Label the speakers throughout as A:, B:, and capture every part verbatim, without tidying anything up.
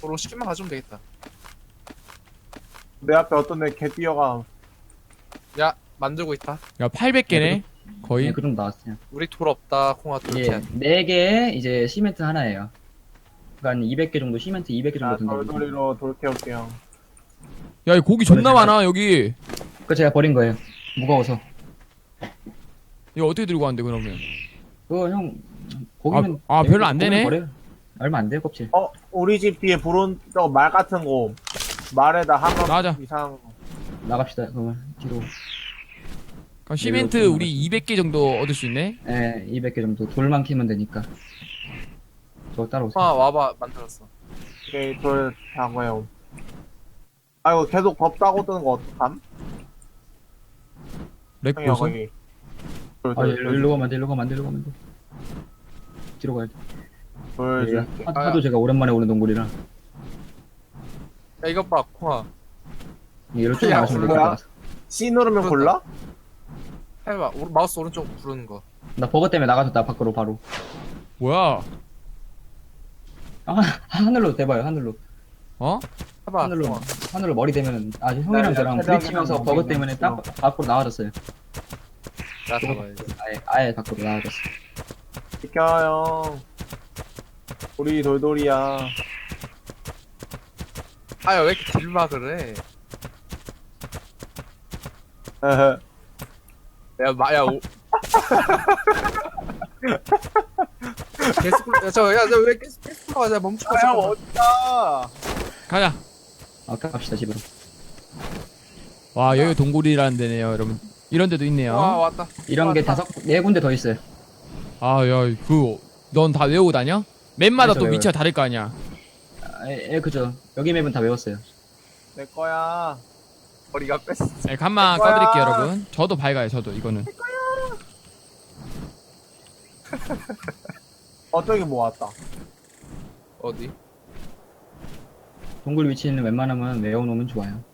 A: 도로 시키만 가져오면 되겠다.
B: 내 앞에 어떤 애 개 뛰어가.
A: 야 만들고 있다.
C: 야 팔백 개네 거의.
D: 네, 그 정도 나왔어요.
A: 우리 돌 없다. 콩아 돌
D: 예,
A: 캐.
D: 네 개에 이제 시멘트 하나예요. 그러니까 이백 개 정도, 시멘트 이백 개 정도
B: 아,
D: 든다고.
B: 돌돌이로 돌 캐올게요.
C: 야 이 고기 존나 많아 여기.
D: 그거 제가 버린 거예요. 무거워서.
C: 이거 어떻게 들고 왔는데 그러면?
D: 그거 형, 고기는.
C: 아, 아, 별로 안
D: 고기는
C: 되네?
D: 버려요. 얼마 안 돼요, 껍질.
B: 어, 우리 집 뒤에 부른 저말 같은 거. 말에다 한번
C: 맞아.
B: 이상.
D: 나갑시다, 그러면. 뒤로.
C: 그럼 시멘트
D: 네, 이거
C: 우리 이백 개 정도 얻을 수 있네?
D: 예, 이백 개 정도. 돌만 캐면 되니까. 저 따라오세요.
A: 콩아 와봐 만들었어.
B: 오케이, 돌 다고요. 아이고, 계속 덥다고 뜨는 거 어떡함?
C: 렉
B: 형이야,
C: 보소?
B: 거기. 돌,
D: 아,
B: 돌,
D: 일로,
B: 돌,
D: 일로 가면 안 돼, 일로 가면 안 돼, 일로 가면 안 돼. 뒤로 가야 돼.
B: 돌,
D: 예,
B: 줄게.
D: 하- 하도 제가 오랜만에 오는 동굴이라.
A: 야 이것 봐 콩아.
D: 이로 쭉
A: 야,
D: 나가시면 될 것
B: 뭐야?
D: 같아서.
B: C 누르면 골라?
A: 해봐. 오, 마우스 오른쪽 부르는 거.
D: 나 버거 때문에 나가졌다, 밖으로 바로.
C: 뭐야?
D: 아, 하늘로 대봐요, 하늘로.
C: 어?
A: 해봐.
D: 하늘로,
A: 콩아.
D: 하늘로 머리 대면은, 아,
B: 나
D: 형이랑
B: 이제
D: 저랑
B: 최대한
D: 부딪히면서
B: 그냥
D: 버거
B: 먹이네.
D: 때문에 딱 밖으로 나가졌어요.
A: 나 잡아야지.
D: 아예, 아예 밖으로 나가졌어.
B: 비켜요. 우리 돌돌이야.
A: 아야 왜 이렇게 딜막을 해?
B: 헤헤.
A: 야 마야 오. 계속 야저야저왜 계속 계속 가자 멈춰.
B: 아, 형, 어디가?
C: 가자.
D: 아, 갑시다, 집으로.
C: 와 여기 동굴이라는 데네요 여러분. 이런 데도
A: 와
C: 있네요.
A: 왔다.
D: 이런 게
A: 왔다.
D: 다섯, 네 군데 더 있어요.
C: 아 야 그 넌 다 외우고 다녀? 맵마다
D: 그래서
C: 또
D: 외워요.
C: 위치가 다를 거 아니야.
D: 아, 예, 예, 그죠. 여기 맵은 다 외웠어요.
B: 내 거야.
A: 머리가 뺐어.
C: 네, 간만
B: 거야.
C: 꺼드릴게요 여러분. 저도 밝아요 저도 이거는.
B: 어, 저기 뭐 왔다.
A: 어디?
D: 동굴 위치는 웬만하면 외워놓으면 좋아요.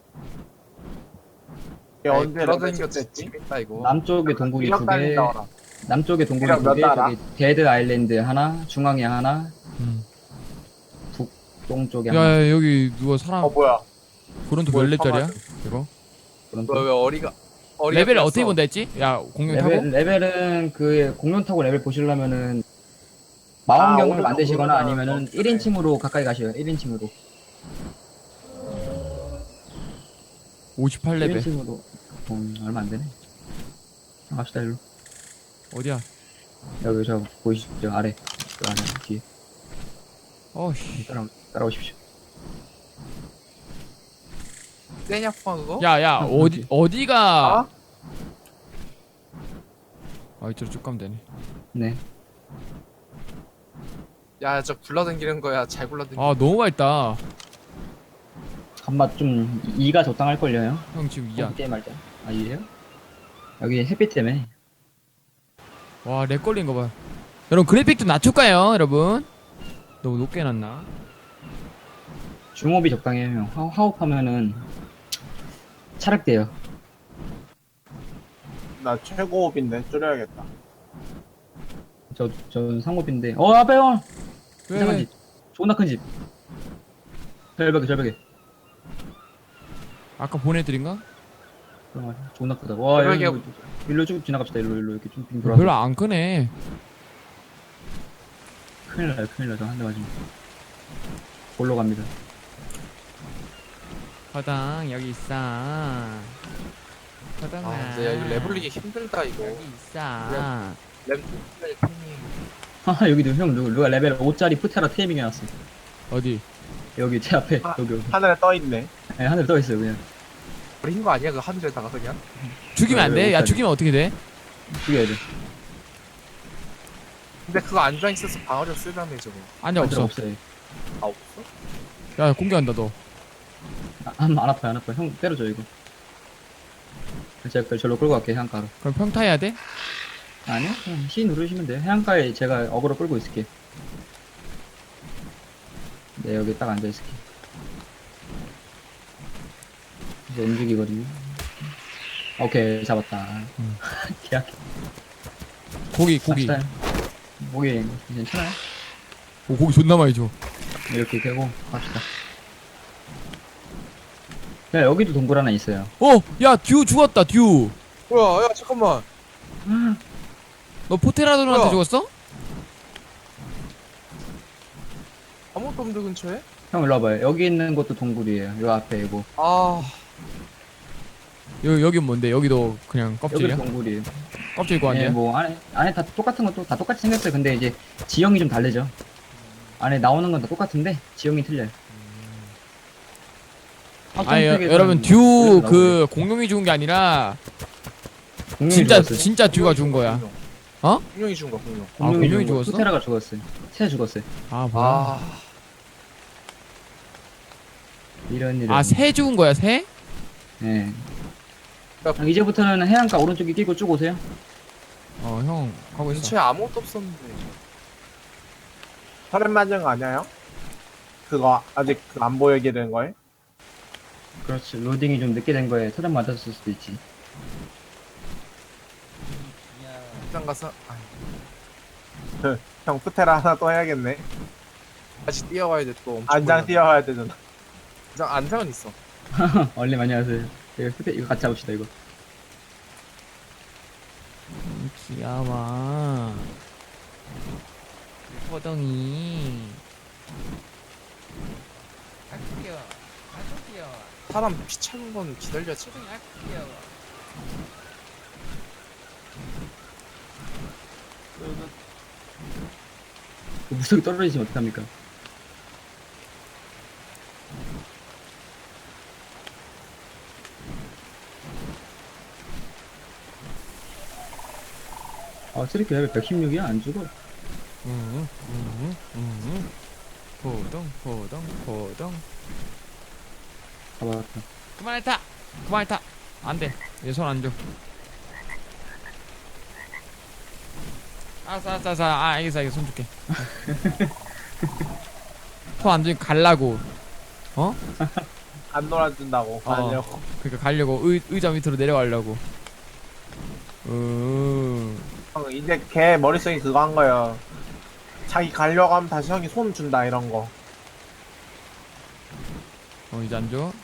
B: 얘 언제
A: 돌아다니는
B: 레벨
A: 거
B: 됐지?
A: 재밌다 이거.
D: 남쪽에 동굴이 두 개,
B: 달린다.
D: 남쪽에 동굴이
B: 이랑
D: 두 개,
B: 몇 달아?
D: 저기 데드 아일랜드 하나, 중앙에 하나,
C: 음.
D: 북동쪽에 하나.
C: 야, 야 여기 누가 사람
B: 어, 뭐야.
C: 브론트 몇
B: 뭘
C: 렙짜리야?
B: 참아야
C: 이거?
D: 그런
A: 왜, 왜 어리가 어리가
C: 레벨을
A: 뺐어?
C: 어떻게 본다 했지? 야 공룡 타고?
D: 레벨, 레벨은 그 공룡 타고 레벨 보시려면은
B: 아,
D: 마원경을
B: 오른쪽,
D: 만드시거나
B: 오른쪽.
D: 아니면은
B: 오케이.
D: 일 인칭으로 가까이 가셔요. 일 인칭으로.
C: 오십팔
D: 일
C: 레벨.
D: 인칭으로. 음, 얼마 안 되네. 자, 갑시다, 일로.
C: 어디야?
D: 여기 저 보이시죠? 아래. 그 아래, 뒤에.
C: 어씨.
D: 따라, 따라오십시오.
A: 세냐 콩아 그거?
C: 야야
D: 어,
C: 어디 어디가?
A: 아?
C: 아 이쪽으로 쭉 가면 되네.
D: 네.
A: 야저 굴러다니는 거야. 잘 굴러다니.
C: 아 너무 밝다.
D: 간맛 좀, 이가 적당할걸요, 형?
C: 형 지금 이야.
D: 게임 할 때. 아, 이에요? 여기 햇빛 때문에.
C: 와렉 걸린 거 봐. 여러분 그래픽 좀 낮출까요 여러분? 너무 높게 놨나?
D: 중업이 적당해요, 형. 하, 하옵하면은, 차륵돼요.
B: 나 최고업인데 줄여야겠다.
D: 저, 전 상업인데. 어, 앞에 형!
C: 왜?
D: 이상한
C: 왜?
D: 집. 존나 큰 집. 절벽에, 절벽에.
C: 아까 보내드린가?
D: 그런 거 같아. 존나 크다. 와,
A: 절벽에
D: 여기, 일로 쭉 지나갑시다, 일로, 일로. 이렇게 쭉 빙 돌아서.
C: 별로 안 크네.
D: 큰일 나요, 큰일 나요. 한 대 맞으면. 골로 갑니다.
C: 화당 여기 있어. 화당아.
A: 아 근데 야 이거 레벨리기 힘들다 이거.
C: 여기 있어.
A: 레벨 레벨 팀이.
D: 하하, 여기도 형, 누가, 누가 레벨 오짜리 푸테라 테이밍 해놨어.
C: 어디?
D: 여기, 제 앞에.
B: 아.
D: 여기, 여기.
B: 하늘에 떠있네.
D: 네, 하늘에 떠있어요, 그냥.
A: 버린 거 아니야 그 하늘에다가 그냥?
C: 죽이면 안
D: 왜,
C: 돼?
D: 왜
C: 야
D: 못하지?
C: 죽이면 어떻게 돼?
D: 죽여야 돼.
A: 근데 그거 앉아 있어서 방어력 쓰다며 저거.
C: 아니야
D: 없어.
C: 없어.
D: 없어요.
A: 아 없어?
C: 야 공개한다 너.
D: 아, 안, 안 아파요, 안 아파요. 형, 때려줘, 이거. 제가 그걸 절로 끌고 갈게요, 해안가로.
C: 그럼 평타 해야 돼?
D: 아니요, 그냥 C 누르시면 돼요. 해안가에 제가 어그로 끌고 있을게. 네, 여기 딱 앉아있을게. 이제 움직이거든요. 오케이, 잡았다.
C: 음.
D: 계약.
C: 고기 고기.
D: 갑시다. 목이 괜찮아요?
C: 오 고기 존나 많이 줘.
D: 이렇게 되고 갑시다. 야 여기도 동굴 하나 있어요.
C: 어, 야, 듀 죽었다, 듀.
A: 뭐야, 야, 잠깐만.
C: 너 포테라돈한테
A: 뭐야?
C: 죽었어?
A: 아무것도 없는데, 근처에?
D: 형 일로 와봐요. 여기 있는 것도 동굴이에요. 요 앞에 이거.
A: 아,
C: 여, 여긴 뭔데? 여기도 그냥
D: 여기도
C: 껍질이야?
D: 동굴이에요.
C: 껍질 거
D: 예,
C: 아니야?
D: 뭐 안에 안에 다 똑같은 것도 다 똑같이 생겼어요. 근데 이제 지형이 좀 다르죠. 안에 나오는 건 다 똑같은데 지형이 틀려요.
C: 아니, 여,
D: 확정팩에서는
C: 여러분, 듀
D: 그래서
C: 그 공룡이 죽은 게 아니라
D: 공룡이
C: 진짜
D: 죽었어요.
C: 진짜 듀가 죽은 거야.
A: 공룡.
C: 어?
A: 공룡이 죽은 거야, 공룡.
C: 아, 공룡이
D: 죽은 거.
C: 죽었어?
D: 투테라가 죽었어요. 새 죽었어요.
C: 아, 뭐야?
A: 아,
D: 이런 이런.
C: 아, 새 죽은 거야, 새?
D: 예.
A: 야,
D: 형, 이제부터는 해안가 오른쪽에 끼고 쭉 오세요.
C: 어, 형 하고 있어.
A: 근처에 아무것도 없었는데.
B: 혈액 맞은 거 아니야 형? 그거 아직 그안 보이게 된 거예요?
D: 그렇지. 로딩이 좀 늦게 된 거에 터전 맞았을 수도 있지.
A: 일단 가서, 아,
B: 형 푸테라 하나 또 해야겠네.
A: 다시 뛰어와야 돼, 또. 엄청
B: 안장
A: 멀리
B: 뛰어야 되잖아.
A: 안장, 안장은 있어.
D: 얼른 안녕하세요. 이거 후대 이거 같이 잡읍시다 이거.
C: 귀여워. 호덩이. 아주 귀여워. 아주 귀여워.
A: 사람 피 차는 건 기다려야지.
C: 호덩이 아주 귀여워.
D: 그 무속이 떨어지시면 어떡합니까? 아, 쓰리키 레벨 백십육이야? 안 죽어?
C: 응, 응, 응. 호덩, 호덩, 호덩.
D: 잡았다.
C: 그만해 타. 그만해 타. 안 돼. 얘 손 안 줘. 알았어, 알았어, 알았어. 아, 알겠어, 알겠어. 손 줄게. 손 안 주니까 갈라고. 어?
B: 안 놀아준다고.
C: 어.
B: 가려고.
C: 그러니까 가려고 의, 의자 밑으로 내려가려고. 음.
B: 형 이제 걔 머릿속에 그거 한 거예요. 자기 가려고 하면 다시 형이 손 준다 이런 거.
C: 어, 이제 안 줘.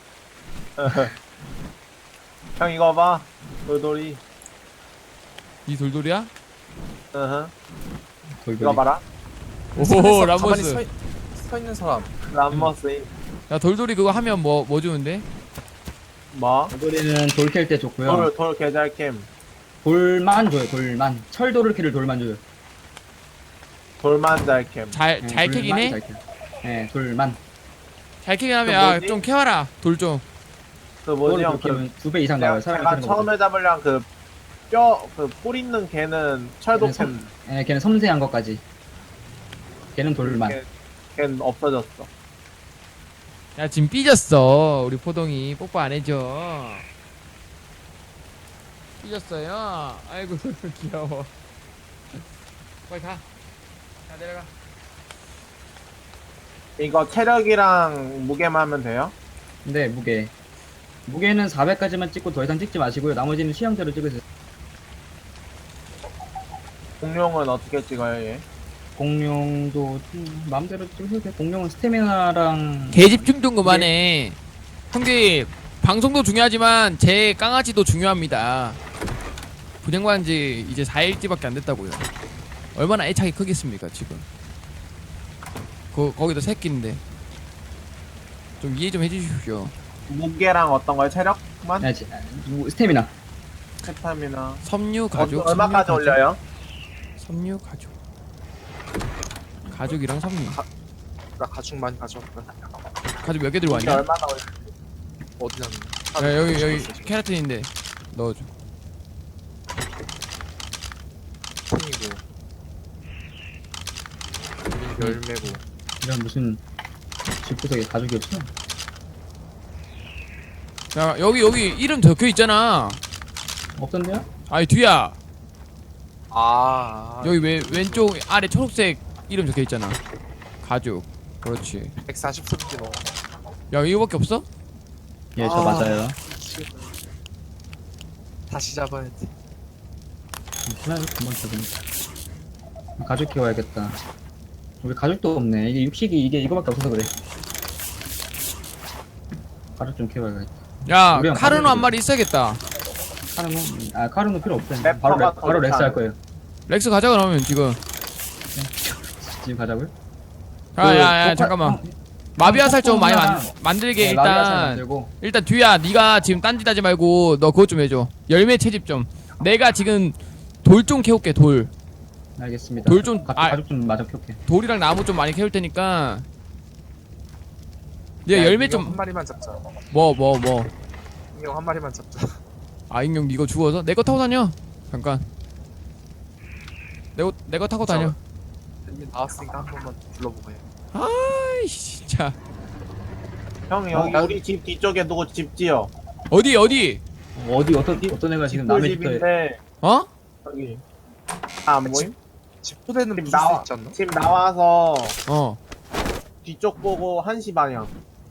B: 형 이거 봐. 돌돌이.
C: 이 돌돌이야?
B: 으흠.
D: 돌돌이.
B: 이거 봐라.
C: 오호,
A: 가만히
C: 람버스.
A: 서, 있- 서 있는 사람.
B: 람머스인.
C: 야, 돌돌이 그거 하면 뭐, 뭐 주는데?
B: 뭐?
D: 돌돌이는 돌 캘 때 좋고요.
B: 돌, 돌 계절캠.
D: 돌만 줘요, 돌만. 철돌을 캐를 돌만 줘요.
B: 돌만잘캠.
C: 잘,
D: 네,
C: 잘 캐긴 해?
D: 돌만 잘 캐. 네, 돌만.
C: 잘 캐긴 하면,
B: 그
C: 야,
B: 뭐지?
C: 좀 캐와라. 돌 좀.
B: 그 뭐지 형? 그
D: 돌 두배 이상
B: 내가,
D: 나와요. 사람이
B: 제가
D: 캐는 거보다.
B: 처음에 잡으려면 그 뼈, 그 뿔 있는 걔는 철도캠.
D: 예, 걔는 섬세한 것까지. 걔는 돌만.
B: 걔- 걔는 없어졌어.
C: 야, 지금 삐졌어. 우리 포동이. 뽀뽀 안 해줘. 삐졌어요. 아이고, 귀여워. 빨리 가. 자, 내려가.
B: 이거 체력이랑 무게만 하면 돼요?
D: 근데 무게. 무게는 사백까지만 찍고 더 이상 찍지 마시고요. 나머지는 취향대로 찍으세요.
B: 공룡은 어떻게 찍어요 얘?
D: 공룡도 음, 마음대로 찍으셔도 돼요. 공룡은 스태미나랑
C: 개집중 좀 그만해. 형님, 방송도 중요하지만 제 깡아지도 중요합니다. 분양받은 지 이제 사 일째밖에 안 됐다고요. 얼마나 애착이 크겠습니까, 지금. 거, 거기도 새끼인데. 좀 이해 좀 해주십시오.
B: 무게랑 어떤 거요? 체력만?
D: 네, 지- 뭐, 스태미나.
B: 스타미나.
C: 섬유 가죽.
B: 어, 얼마까지
C: 섬유 가죽,
B: 올려요?
C: 섬유 가죽. 가죽이랑 섬유.
A: 나 가죽 많이 가져왔다.
C: 가죽 몇 개 들고
B: 무게
C: 왔냐?
B: 얼마나 올려?
A: 어디 놨니?
C: 야, 여기 여기 케라틴인데 넣어줘.
A: 콩이고. 여긴 열매고.
D: 이런 무슨 집구석에 가죽이 없어?
C: 야, 여기 여기 이름 적혀 있잖아.
D: 없던데요?
C: 아니 뒤야.
A: 아,
C: 여기 왼 왼쪽 아래 초록색 이름 적혀 있잖아. 가죽. 그렇지.
A: 백사십삼 킬로.
C: 야, 이거밖에 없어?
D: 예, 저
A: 아.
D: 맞아요.
A: 다시 잡아야 돼.
D: 하나 금방 잡으니까. 가죽 키워야겠다. 우리 가죽도 없네. 이게 육식이 이게 이거밖에 없어서 그래. 가죽 좀 키워야겠다.
C: 야
D: 우리랑
C: 카르노
D: 가족이지.
C: 한 마리 있어야겠다.
D: 카르노? 아 카르노 필요 없어.
B: 랩터가
D: 바로 렉,
B: 더
D: 바로 렉스 할
B: 좋다.
D: 거예요.
C: 렉스 가자 그러면 지금.
D: 지금 가자고요?
C: 야야야
D: 그
C: 잠깐만.
D: 형,
C: 마비아살 좀 많이 만,
D: 형,
C: 만들게
D: 네, 마비아살
C: 일단.
D: 만들고.
C: 일단 뒤야 네가 지금 딴짓 하지 말고 너 그것 좀 해줘. 열매 채집 좀. 내가 지금 돌 좀 캐올게 돌.
D: 알겠습니다.
C: 돌 좀-
D: 가죽,
C: 아.
D: 가죽 좀 마저 켜게.
C: 돌이랑 나무 좀 많이 캐올 테니까. 네가
A: 야,
C: 열매
A: 인형 한
C: 좀
A: 마리만 잡자.
C: 뭐 뭐 뭐.
A: 인형 한 마리만 잡자.
C: 아 인형 이거 죽어서 내 거 타고 다녀. 잠깐. 내거 내 거 타고 다녀.
A: 이미 나왔으니까 한 번만 불러보고 해.
C: 아이 진짜.
B: 형 여기
A: 어,
B: 우리 집 뒤쪽에 누구 집 지어.
C: 어디 어디?
D: 어디 어떤 어떤 애가 지금 남의 집터에
B: 집인데
C: 어?
B: 여기 아, 안 보임?
A: 집 토대는
B: 집
A: 부술
B: 나와
A: 수 있지 않나?
B: 집 나와서
C: 어.
B: 뒤쪽 보고 한 시 방향.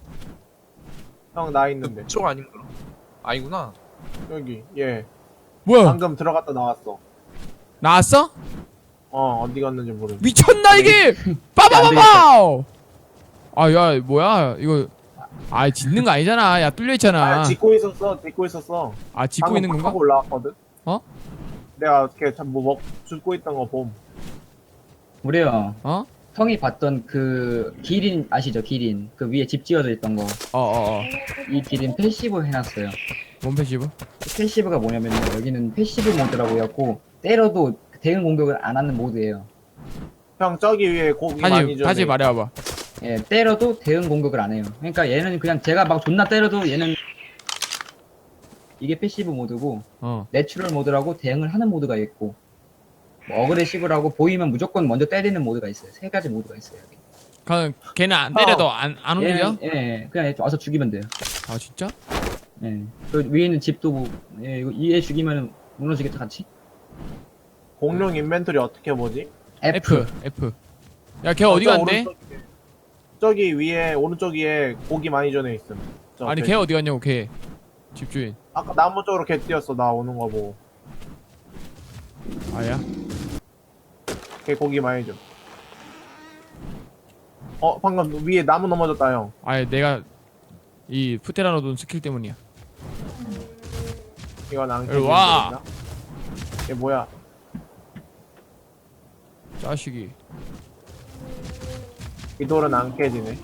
B: 형 나 있는데
A: 그쪽 아닌가? 아니구나.
B: 여기 예
C: 뭐야?
B: 방금 들어갔다 나왔어.
C: 나왔어?
B: 어 어디 갔는지 모르.
C: 미쳤나 이게? 빠바바바! 아야 뭐야 이거? 아 짓는 거 아니잖아. 야 뚫려 있잖아.
B: 아 짓고 있었어 짓고 있었어.
C: 아 짓고
B: 방금
C: 있는
B: 막
C: 건가?
B: 하고 올라왔거든.
C: 어?
B: 내가 이렇게 참 뭐 먹 죽고 있던 거 봄.
D: 우리요.
C: 어?
D: 형이 봤던 그 기린 아시죠? 기린 그 위에 집 지어져 있던 거.
C: 어어어.
D: 이 기린 패시브 해놨어요.
C: 뭔 패시브?
D: 패시브가 뭐냐면 여기는 패시브 모드라고 해갖고 때려도 대응 공격을 안 하는 모드예요.
B: 형 저기 위에 고기 많이
C: 다시
B: 줘.
C: 다시 말해봐봐.
D: 예, 때려도 대응 공격을 안 해요. 그러니까 얘는 그냥 제가 막 존나 때려도 얘는 이게 패시브 모드고
C: 어.
D: 내추럴 모드라고 대응을 하는 모드가 있고 뭐 어그레시브라고 보이면 무조건 먼저 때리는 모드가 있어요. 세 가지 모드가 있어요. 여기.
C: 그냥 걔는 안 때려도 안 안 움직여?
D: 얘는, 예, 그냥 와서 죽이면 돼요.
C: 아 진짜?
D: 예. 그 위에 있는 집도 뭐, 예, 이거 이에 죽이면 무너지겠다 같이.
B: 공룡 인벤토리 어떻게 보지?
C: F F. 야 걔 어디
B: 저
C: 간대?
B: 오른쪽에, 저기 위에 오른쪽 위에 고기 많이 전해 있음. 저
C: 아니
B: 돼-
C: 걔 어디 갔냐고 걔. 집주인.
B: 아까 나무 쪽으로 개 뛰었어 나 오는 거 보고.
C: 아야?
B: 걔 고기 많이 줘. 어 방금 위에 나무 넘어졌다 형.
C: 아니 내가 이 푸테라노돈 스킬 때문이야.
B: 이건 안
C: 일로 와.
B: 깨진다. 얘 뭐야?
C: 자식이.
B: 이 돌은 안 깨지네.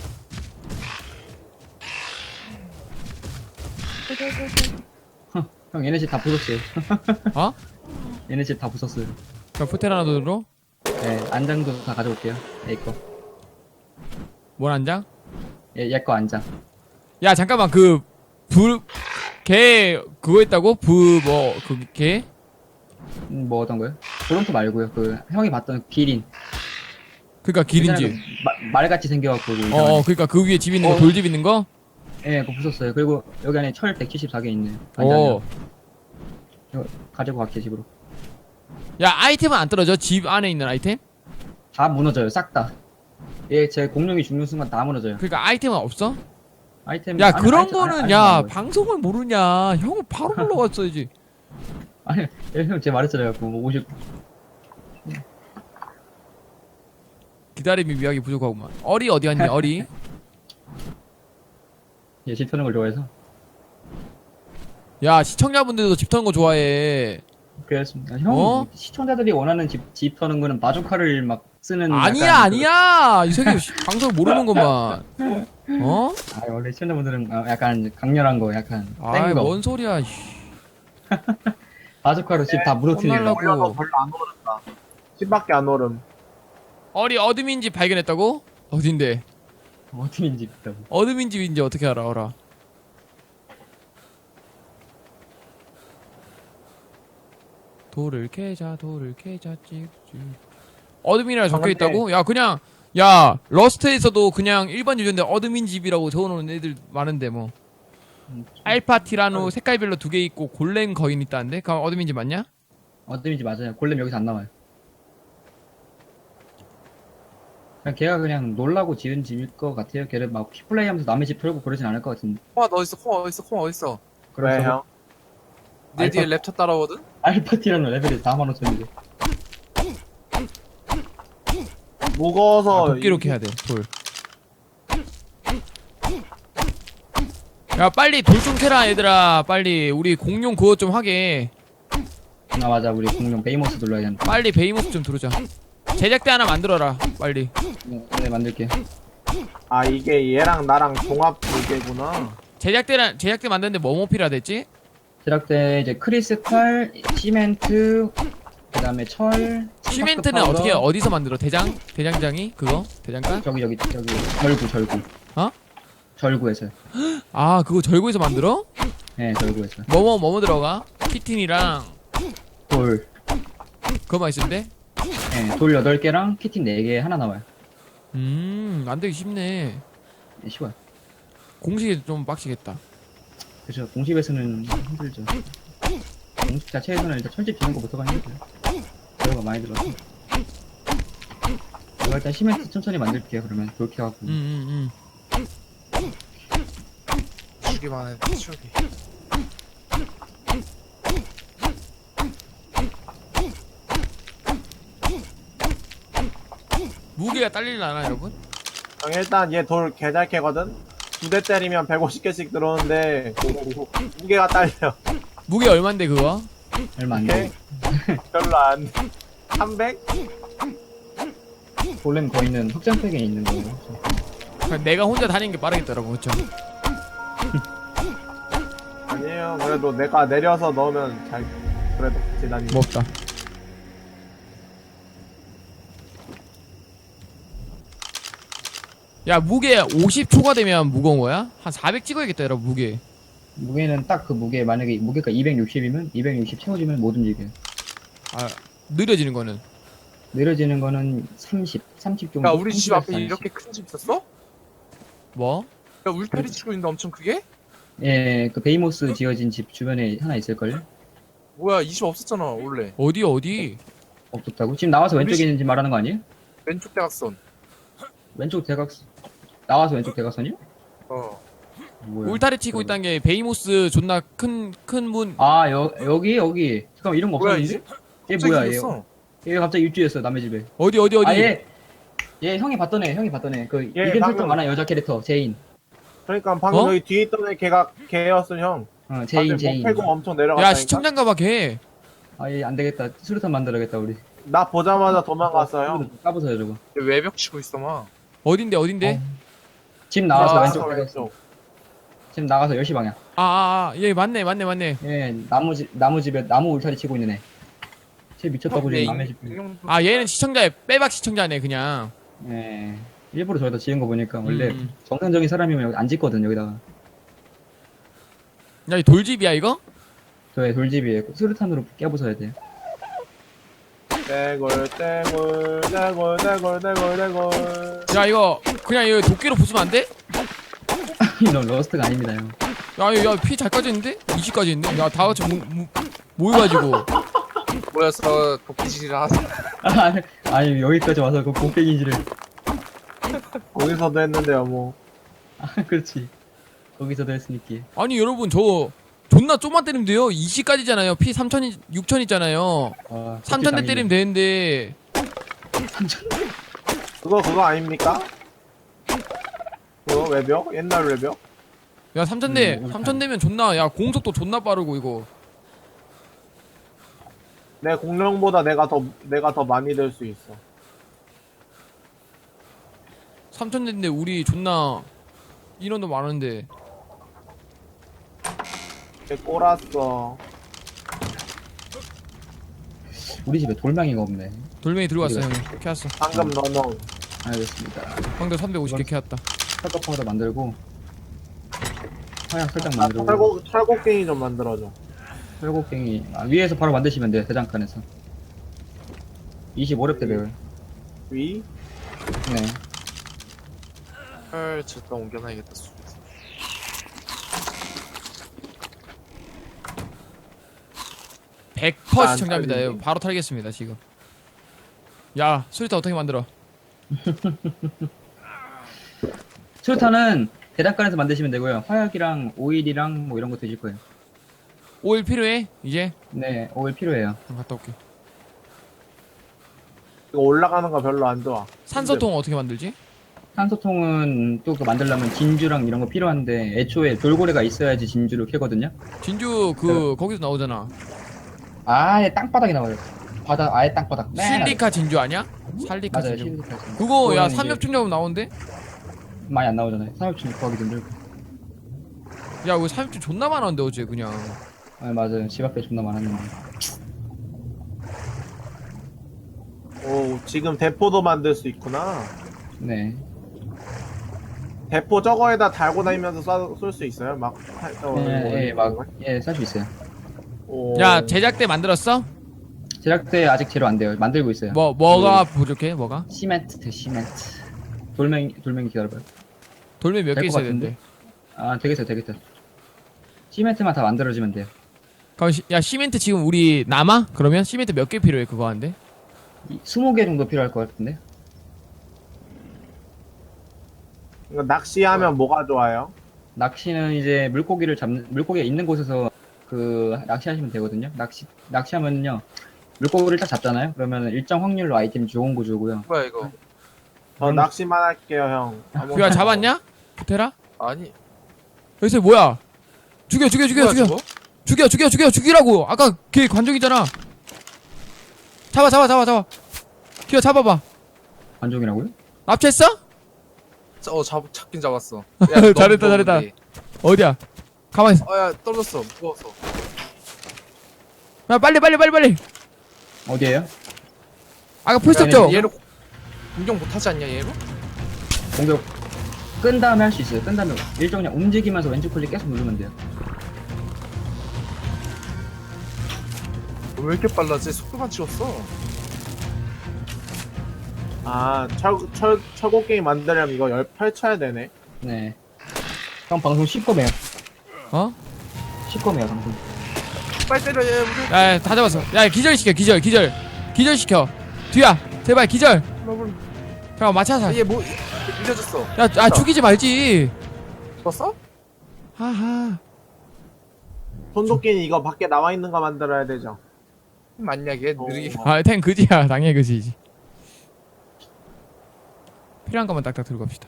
D: 형 얘네 집 다 부쉈어요.
C: 어?
D: 얘네 집 다 부쉈어요.
C: 그럼 푸테라노돈으로
D: 예, 안장도 다 가져올게요. 얘 거.
C: 뭘 한장?
D: 얘, 얘 거 안장.
C: 야 잠깐만 그불걔 그거 있다고? 부뭐그걔
D: 음, 뭐 어떤 거요? 브론토 말고요. 그 형이 봤던 기린.
C: 그니까 기린지.
D: 그 마- 말같이 생겨갖고. 그 이상한
C: 어어 그니까 그 위에 집 있는 거
D: 어.
C: 돌집 있는 거?
D: 예, 그거 부쉈어요. 그리고 여기 안에 철 백칠십사 개 있네요.
C: 어.
D: 이거 가지고 갈게 집으로.
C: 야 아이템은 안 떨어져? 집 안에 있는 아이템?
D: 다 무너져요, 싹 다. 예, 제 공룡이 죽는 순간 다 무너져요.
C: 그니까 아이템은 없어?
D: 아이템.
C: 야
D: 아니,
C: 그런
D: 아이템,
C: 거는
D: 아니,
C: 야
D: 아니, 아니,
C: 방송을 모르냐 형은 바로 불러갔어야지.
D: 아니, 예, 형 제가 말했잖아요. 그 오십.
C: 기다림이 미학이 부족하구만. 어리 어디 갔니 어리?
D: 예, 집 터는 걸 좋아해서.
C: 야 시청자분들도 집 터는 거 좋아해.
D: 그렇습니다. 형,
C: 어?
D: 시청자들이 원하는 집, 집 터는 거는 바주카를 막 쓰는.
C: 아니야
D: 약간
C: 아니야 이 새끼 씨, 방송을 모르는구만. 어?
D: 그, 아, 원래 시청자분들은 아, 약간 강렬한 거, 약간.
C: 아이
D: 센 거.
C: 뭔 소리야. 씨.
D: 바주카로 집 다 무너뜨리는
C: 혼날라고.
D: 거.
B: 올려도 별로 안 오른다. 십밖에 안 오름.
C: 어리 어둠인 집 발견했다고? 어딘데?
D: 어떻게 집 있다고.
C: 어둠인 집인지 어떻게 알아 어라? 돌을 캐자 돌을 캐자 찍찍. 어둠이라 적혀 있다고? 야 그냥 야 러스트에서도 그냥 일반 유저인데 어둠인 집이라고 적어놓은 애들 많은데 뭐.
D: 음,
C: 알파 티라노 색깔별로 두 개 있고 골렘 거인 있다는데? 그럼 어둠인 집 맞냐?
D: 어떤지 맞아요. 골렘 여기서 안 나와요. 그냥 걔가 그냥 놀라고 지은 집일 것 같아요. 걔를 막 피플레이 하면서 남의 집 털고 그러진 않을 것 같은데.
A: 콩아 너 어딨어? 콩아 어딨어? 콩아 어딨어?
B: 왜 형?
A: 내 뒤에
D: 알파-
A: 랩터 따라오거든?
D: 알파티라는 레벨이 사만 오천인데.
B: 무거워서
C: 아, 도끼로 캐야 돼, 돌. 야, 빨리 돌 좀 캐라, 얘들아. 빨리. 우리 공룡 그거 좀 하게.
D: 아 맞아 우리 공룡 베이모스 눌러야 된다.
C: 빨리 베이모스 좀 들어자. 제작대 하나 만들어라, 빨리.
D: 네, 네 만들게.
B: 아 이게 얘랑 나랑 종합 두 개구나.
C: 제작대랑, 제작대 만드는데 뭐뭐 필요하댔지?
D: 제작대 이제 크리스탈, 시멘트, 그다음에 철.
C: 시멘트는
D: 파우더.
C: 어떻게, 어디서 만들어? 대장? 대장장이? 그거? 대장간?
D: 저기 저기 저기 절구 절구.
C: 어?
D: 절구에서.
C: 아, 그거 절구에서 만들어?
D: 네 절구에서.
C: 뭐뭐, 뭐뭐 들어가? 키틴이랑,
D: 돌.
C: 그거만 있으면 돼?
D: 네, 돌 여덟 개랑 키팅 네 개 하나 나와요.
C: 음, 만들기 쉽네.
D: 네, 쉬워요.
C: 공식이 좀 빡시겠다.
D: 그죠. 공식에서는 힘들죠. 공식 자체에서는 일단 철집 짓는 것부터가 힘들어요. 재료가 많이 들어서. 제가 일단 시멘트 천천히 만들게요. 그러면 그렇게 하고.
C: 음, 음, 음.
A: 주기만 해 추기.
C: 무게가 딸릴라나, 여러분?
B: 형, 일단 얘 돌 개잘 캐거든? 두 대 때리면 백오십 개씩 들어오는데 무게가 딸려.
C: 무게 얼만데, 그거?
D: 얼마 안
B: 오케이?
D: 돼.
B: 별로 안. 삼백?
D: 볼렘 거의는 확장팩에 있는 거예요.
C: 그냥 내가 혼자 다니는 게 빠르겠다, 여러분. 그쵸?
B: 아니에요. 그래도 내가 내려서 넣으면 잘, 그래도 같이 다니고.
C: 뭐 없다. 야, 무게 오십 초과되면 무거운 거야? 한 사백 찍어야겠다, 여러분, 무게.
D: 무게는 딱 그 무게, 만약에 무게가 이백육십이면 이백육십 채워지면 못 움직여요.
C: 아, 느려지는 거는.
D: 느려지는 거는 삼십, 삼십 정도.
A: 야 우리 집 앞에
D: 삼십.
A: 이렇게 큰 집 있었어?
C: 뭐?
A: 야 울타리 치고 있는데 엄청 크게?
D: 예, 그 베이모스 지어진 집 주변에 하나 있을걸요?
A: 뭐야 이 집 없었잖아 원래.
C: 어디, 어디?
D: 없었다고? 지금 나와서
A: 우리
D: 왼쪽에
A: 집-
D: 있는 집 말하는 거 아니에요?
A: 왼쪽 대각선.
D: 왼쪽 대각선. 나와서 왼쪽 대각선이요?
A: 어.
D: 뭐야?
C: 울타리 치고 있다는 게 베이모스 존나 큰, 큰 문.
D: 아, 여, 여기, 여기. 잠깐만, 이런 거
A: 뭐야,
D: 없었는데? 얘
A: 갑자기
D: 뭐야, 얘.
A: 생겼어.
D: 얘 갑자기 입주했어, 남의 집에.
C: 어디, 어디, 어디?
D: 아, 얘. 얘 형이 봤던 애, 형이 봤던 애. 그,
B: 얘
D: 이름
B: 방금-
D: 설정 많아, 여자 캐릭터, 제인.
B: 그러니까 방금
C: 어?
B: 여기 뒤에 있던 애 걔가 걔였어 형.
D: 어, 제인,
B: 다들
D: 제인.
B: 목 패고 엄청 내려갔다니까.
C: 야, 시청장가 봐, 걔.
D: 아, 얘 안 되겠다. 수류탄 만들어야겠다, 우리.
B: 나 보자마자 도망갔어 형.
D: 까부서요, 저거.
A: 얘 외벽 치고 있어 막.
C: 어딘데, 어딘데?
D: 집 나와서
B: 아,
D: 왼쪽 대각선.
B: 왼쪽.
D: 집 나가서 열 시 방향.
C: 아, 아, 아, 얘 맞네, 맞네, 맞네.
D: 예, 나무 집, 나무 집에, 나무 울타리 치고 있는 애. 쟤 미쳤다고
A: 얘
D: 지금 남의 집.
A: 인형-
C: 아, 얘는 시청자야, 빼박 시청자네, 그냥.
D: 예. 일부러 저기다 지은 거 보니까 원래
C: 음.
D: 정상적인 사람이면 여기 안 짓거든, 여기다가.
C: 야, 이 돌집이야, 이거?
D: 저의 돌집이에 수류탄으로 깨부숴야 돼.
B: 떼굴 떼굴 떼굴 떼굴 떼굴 떼굴.
C: 야, 이거, 그냥 이거 도끼로 부수면 안 돼?
D: 이런 러스트가 아닙니다, 형.
C: 야, 야, 피 잘 까지는데? 이십까지 있네? 야, 다 같이 모, 모, 모여가지고.
A: 모여서 도끼질을 하자.
D: 아, 아니, 여기까지 와서 그 곡괭이질을.
B: 거기서도 했는데요 뭐.
D: 아, 그렇지. 거기서도 했으니까.
C: 아니, 여러분, 저, 존나 좀만 때리면 돼요. 이십까지잖아요. 피 삼천, 육천 있잖아요.
D: 아,
C: 삼천 대 때리면 되는데.
D: 삼천.
B: 그거 그거 아닙니까? 그거 외벽? 옛날 외벽?
C: 야, 삼천 대,
D: 음,
C: 삼천 대면 존나, 야, 공속도 존나 빠르고, 이거.
B: 내 공룡보다 내가 더 내가 더 많이 될 수 있어.
C: 삼천 대인데, 우리 존나, 인원도 많은데.
B: 걔 꼬랐어.
D: 우리 집에 돌멩이가 없네.
C: 돌멩이 들고 왔어, 형이. 캐왔어.
B: 방금 너너
D: 알겠습니다.
C: 황도 삼백오십 개 캐왔다.
D: 철거 파우더 만들고, 화약 살짝 만들고,
B: 철곡 철곡갱이 좀 만들어줘.
D: 철곡갱이. 아, 위에서 바로 만드시면 돼요, 대장간에서. 이십오 렙 대별.
B: 위?
D: 네.
A: 헐 저기다 옮겨놔야겠다.
C: 백 퍼센트
B: 안
C: 시청자입니다.
B: 털리지.
C: 예, 바로 털겠습니다, 지금. 야, 수리타 어떻게 만들어?
D: 수류탄은 대장간에서 만드시면 되고요. 화약이랑 오일이랑 뭐 이런 거 드실 거예요.
C: 오일 필요해? 이제?
D: 네, 오일 필요해요.
C: 그럼 갔다 올게.
B: 이거 올라가는 거 별로 안 좋아.
C: 산소통 어떻게 만들지?
D: 산소통은 또 그 만들려면 진주랑 이런 거 필요한데 애초에 돌고래가 있어야지 진주를 캐거든요.
C: 진주 그 거기서 나오잖아.
D: 아예 땅바닥에 나와요. 바닥 아예 땅바닥. 맨
C: 실리카 진주 아니야? 살리카
D: 맞아요.
C: 진주.
D: 실리카 진주.
C: 그거 야
D: 그거는 이제
C: 삼엽충 잡으면 나오는데?
D: 많이 안 나오잖아요. 삼엽충 구하기 힘들고.
C: 야 이거 삼엽충 존나 많았는데 어제 그냥.
D: 아 맞아요. 집 앞에 존나 많았는데.
B: 오, 지금 대포도 만들 수 있구나.
D: 네.
B: 대포 저거에다 달고 다니면서 쏠 수 있어요? 막, 할- 어,
D: 예, 예,
B: 어,
D: 막, 예, 살 수 있어요.
B: 오.
C: 야 제작대 만들었어?
D: 제작대 아직 재료 안 돼요. 만들고 있어요.
C: 뭐 뭐가 부족해? 뭐가?
D: 시멘트, 시멘트. 돌멩이, 돌멩이 기다려봐요.
C: 돌멩이 몇 개
D: 될것
C: 있어야
D: 같은데?
C: 되는데.
D: 아, 되겠어요, 되겠다. 시멘트만 다 만들어지면 돼요.
C: 그럼 시, 야 시멘트 지금 우리 남아? 그러면 시멘트 몇 개 필요해 그거 하는데?
D: 스무 개 정도 필요할 것 같은데?
B: 이거 낚시하면 뭐가 좋아요?
D: 낚시는 이제 물고기를 잡는, 물고기가 있는 곳에서 그, 낚시하시면 되거든요. 낚시, 낚시하면요. 물고기를 딱 잡잖아요? 그러면 일정 확률로 아이템 좋은 거 주고요.
A: 뭐야 이거?
B: 저
D: 음.
B: 낚시만 할게요, 형. 아무-
C: 야 잡았냐? 부테라?
A: 아니.
C: 여기서 뭐야? 죽여 죽여 죽여
A: 뭐야,
C: 죽여
A: 저거?
C: 죽여 죽여 죽여 죽이라고. 아까 걔 관종이잖아. 잡아 잡아 잡아 잡아. 기어 잡아봐.
D: 관종이라고요?
C: 납치했어?
A: 자, 어 잡, 잡긴 잡았어.
C: 잘했다, 잘했다. 어디야? 가만히 있어.
A: 어야 떨어졌어. 무거워서.
C: 야 빨리 빨리 빨리 빨리.
D: 어디에요?
C: 아까 풀었죠?
A: 얘로 공격 못하지 않냐 얘로?
D: 공격 끈 다음에 할 수 있어요. 끈 다음에 일정 그냥 움직이면서 왼쪽 클릭 계속 누르면 돼요.
A: 왜 이렇게 빨라지? 속도만 찍었어.
B: 아, 철, 철, 철곡 게임 만들려면 이거 열 펼쳐야 되네.
D: 네. 형 방송 시꺼매요.
C: 어?
D: 시꺼매요 방송.
A: 빨리 때려 얘 우리.
C: 야, 야, 다 잡았어. 야, 기절 시켜, 기절, 기절, 기절 시켜. 뒤야, 제발 기절. 잠깐 맞춰서.
A: 얘뭐 밀려졌어.
C: 야, 아 죽이지 말지.
A: 죽었어?
C: 하하.
B: 손도끼는 이거 밖에 나와 있는 거 만들어야 되죠.
A: 맞냐 걔
B: 어.
A: 느리게.
C: 아, 탱 그지야, 당연히 그지지. 필요한 것만 딱딱 들고 갑시다.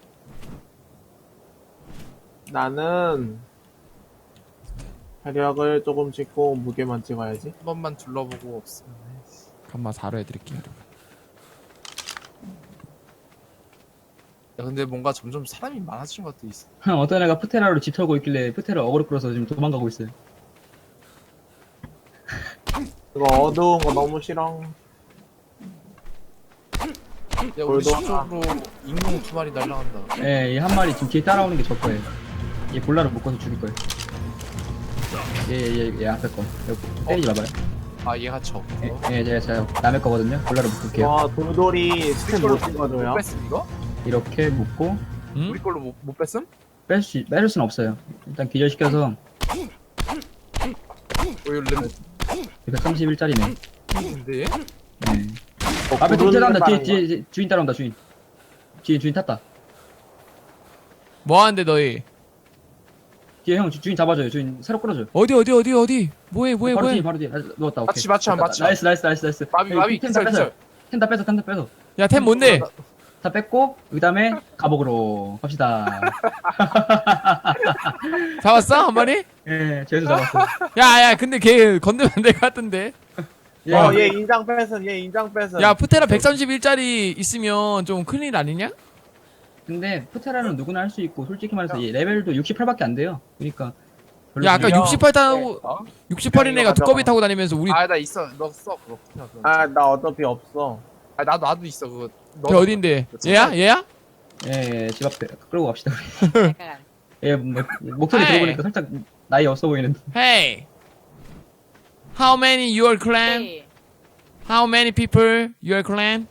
B: 나는 화력을 조금 찍고 무게만 찍어야지.
A: 한 번만 둘러보고 없으면.
C: 간마 사로 해드릴게요.
A: 야 근데 뭔가 점점 사람이 많아지는 것도 있어.
D: 어떤 애가 푸테라로 집 털고 있길래 푸테라 어그로 끌어서 지금 도망가고 있어요.
B: 이거 어두운 거 너무 싫어.
A: 야 우리
B: 돌도
A: 수적으로 인공 두 마리 날라간다.
D: 예, 이 한 마리 지금 뒤에 따라오는 게 저 거예요. 얘 볼라를 묶어서 죽일 거예요. 얘, 얘, 얘 앞에 거. 여기 때리지 마봐요.
A: 아 얘가 저.
D: 예,
A: 어?
D: 예, 제가, 제가 남의 거거든요. 볼라를 묶을게요.
B: 와, 돌돌이 스텝 못
A: 못
B: 찍어줘요.
A: 뺐음 이거?
D: 이렇게 묶고
C: 응?
A: 우리 걸로 못, 못 뺐음?
D: 뺄 수, 뺄 수는 없어요. 일단 기절시켜서
A: 오 이거 렌
D: 백삼십일 짜리네.
A: 근데
D: 네.
B: 어,
D: 앞에
B: 구르는
D: 뒤에 따라온다.
B: 거
D: 뒤에,
B: 하는
D: 뒤에, 뒤에 주인 따라온다. 주인. 주인, 주인 탔다.
C: 뭐 하는데 너희?
D: 뒤에 형 주, 주인 잡아줘요. 주인 새로 끌어줘요.
C: 어디 어디 어디 어디? 뭐해 뭐해
D: 바로
C: 뭐해?
D: 뒤에, 바로 뒤에. 아, 누웠다. 오케이.
A: 맞지, 맞지,
D: 됐다.
A: 맞지.
D: 나이스, 나이스, 나이스, 나이스.
A: 마비
D: 여기
A: 마비
D: 텐다
A: 기절
D: 뺐어요.
A: 기절.
D: 텐다 뺏어, 텐다 뺏어.
C: 야, 템 뭔데?
D: 다 뺐고 그 다음에 감옥으로 갑시다.
C: 잡았어 한 마리?
D: 예, 죄수 잡았어.
C: 야, 야, 근데 걔 건드면 안 될 것 같은데.
D: 예,
B: 어, 얘 인장 뺏음, 얘 인장 뺏음.
C: 야, 푸테라 백삼십일 짜리 있으면 좀 큰일 아니냐?
D: 근데 푸테라는 누구나 할 수 있고 솔직히 말해서 얘 레벨도 육십팔밖에 안 돼요. 그러니까 별로
C: 야, 아까
B: 야.
C: 육십팔 타고
A: 어?
C: 육십팔인
B: 야,
C: 애가
B: 이거
C: 두꺼비
B: 가져가.
C: 타고 다니면서 우리
A: 아 나 있어. 너 써 그거. 그냥 그거.
B: 아, 나 어차피 없어.
A: 아 나도 나도 있어 그거.
C: 걔 어딘데? 얘야? 얘야?
D: 예, 예, 집 앞에 끌고 갑시다. 우리. 예, 뭐, 목소리
C: 에이.
D: 들어보니까 살짝 나이 없어 보이는데.
C: Hey. How many your clan? How many people your clan?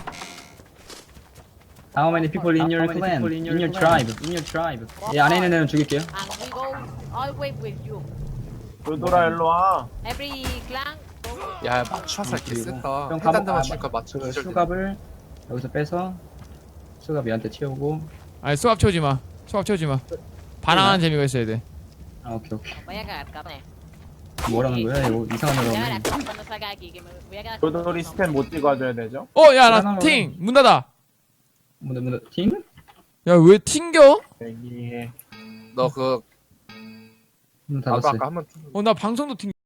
D: How many people in your clan? In your tribe? In your tribe? 예, 안에 있는 애는 죽일게요.
E: And we go all way with you.
B: 돌돌아, 일로 와.
E: Every clan. go.
A: 야 맞춰서 개
D: 그리고
A: 셌다.
D: 형
A: 해단다만
D: 감옥-
A: 줄까 맞춰.
D: 그
A: 기절.
D: 수갑을 여기서 빼서 수갑 얘한테 채우고.
C: 아니, 수압 채우지 마. 수압 채우지 마. 반항하는 재미가 있어야 돼.
D: 아, 오케이, 오케이.
E: Vaya a cagar, cabrón.
D: 뭐라는 거야? 이거 이상한
E: Ya
D: 거.
E: verás cuando salga de aquí, que me voy a quedar con
B: 돌돌이
E: no.
B: 스탠 못 찍어줘야 되죠?
C: 어, 야, 나
D: 하나만
C: 팅! 문 닫아.
D: 뭐, 뭐, 팀?
C: 야, 왜 튕겨?
B: 여기에
A: 너 그
D: 문
A: 나도
D: 닫았어요.
A: 아까 한번
C: 어, 나 방송도 튕겨.